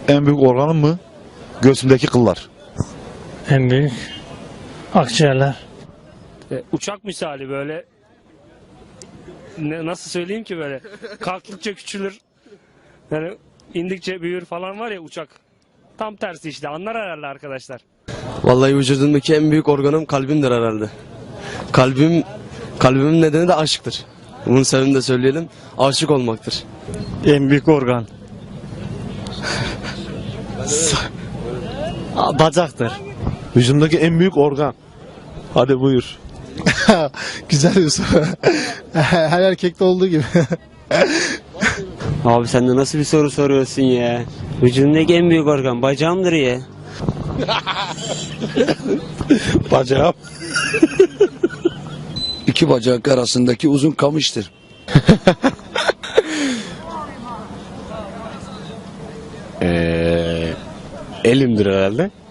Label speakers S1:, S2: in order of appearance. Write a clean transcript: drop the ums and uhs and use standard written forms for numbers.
S1: En büyük organım mı? Göğsümdeki kıllar.
S2: En büyük akciğerler.
S3: Uçak misali böyle nasıl söyleyeyim ki böyle kalktıkça küçülür yani indikçe büyür falan var ya uçak tam tersi işte anlar herhalde arkadaşlar.
S4: Vallahi vücudumdaki en büyük organım kalbimdir herhalde. Kalbimin nedeni de aşktır. Bunun sebebini de söyleyelim. Aşık olmaktır.
S2: En büyük organ. Bacaktır.
S5: Vücudumdaki en büyük organ. Hadi buyur.
S6: Güzel bir soru. Her erkekte olduğu gibi.
S7: Abi sen de nasıl bir soru soruyorsun ya? Vücudumdaki en büyük organ bacağımdır ya.
S5: Bacağım.
S8: İki bacak arasındaki uzun kamıştır.
S4: Elimdir herhalde.